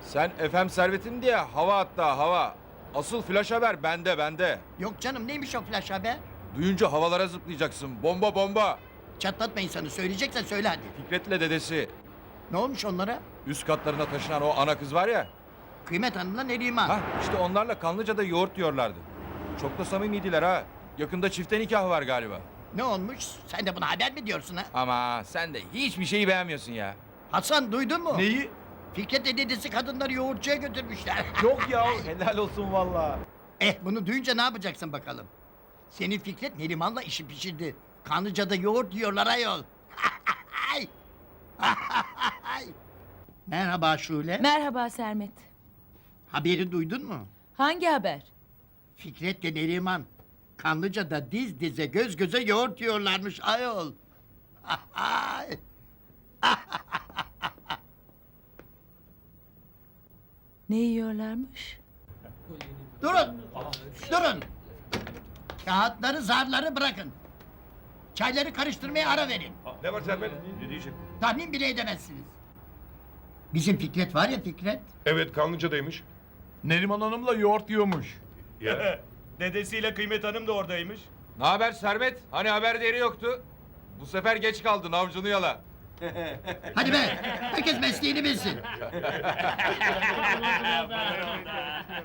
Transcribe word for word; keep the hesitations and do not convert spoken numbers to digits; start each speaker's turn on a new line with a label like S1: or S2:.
S1: Sen F M Servet'in diye hava hatta hava. Asıl flash haber bende bende.
S2: Yok canım, neymiş o flash haber?
S1: Duyunca havalara zıplayacaksın. Bomba bomba.
S2: Çatlatma insanı, söyleyeceksen söyle hadi.
S1: Fikret'le dedesi.
S2: Ne olmuş onlara?
S1: Üst katlarına taşınan o ana kız var ya.
S2: Kıymet Hanım'la Neriman.
S1: Ha işte onlarla Kanlıca'da yoğurt diyorlardı. Çok da samimiydiler ha. Yakında çifte nikah var galiba.
S2: Ne olmuş? Sen de buna haber mi diyorsun ha?
S1: Ama sen de hiçbir şeyi beğenmiyorsun ya.
S2: Hasan, duydun mu?
S3: Neyi?
S2: Fikret'le dedesi kadınları yoğurtçuya götürmüşler.
S3: Yok ya, helal olsun vallahi.
S2: Eh, bunu duyunca ne yapacaksın bakalım? Senin Fikret Neriman'la işi pişirdi. Kanlıca'da yoğurt yiyorlar ayol. Merhaba Şule.
S4: Merhaba Sermet.
S2: Haberi duydun mu?
S4: Hangi haber?
S2: Fikret ve Neriman Kanlıca'da diz dize göz göze yoğurt yiyorlarmış ayol.
S4: Ne yiyorlarmış?
S2: Durun! Durun! Kağıtları, zarları bırakın. Çayları karıştırmaya ara verin.
S5: Ne var Sermet? Ne diyecek?
S2: Tahmin bile edemezsiniz. Bizim Fikret var ya Fikret.
S5: Evet Kanlıca'daymış.
S3: Neriman Hanım'la yoğurt yiyormuş.
S5: Ya.
S6: Dedesiyle Kıymet Hanım da oradaymış.
S1: Ne haber Sermet? Hani haber değeri yoktu. Bu sefer geç kaldın avcunu yala.
S2: Hadi be! Herkes mesleğini bilsin.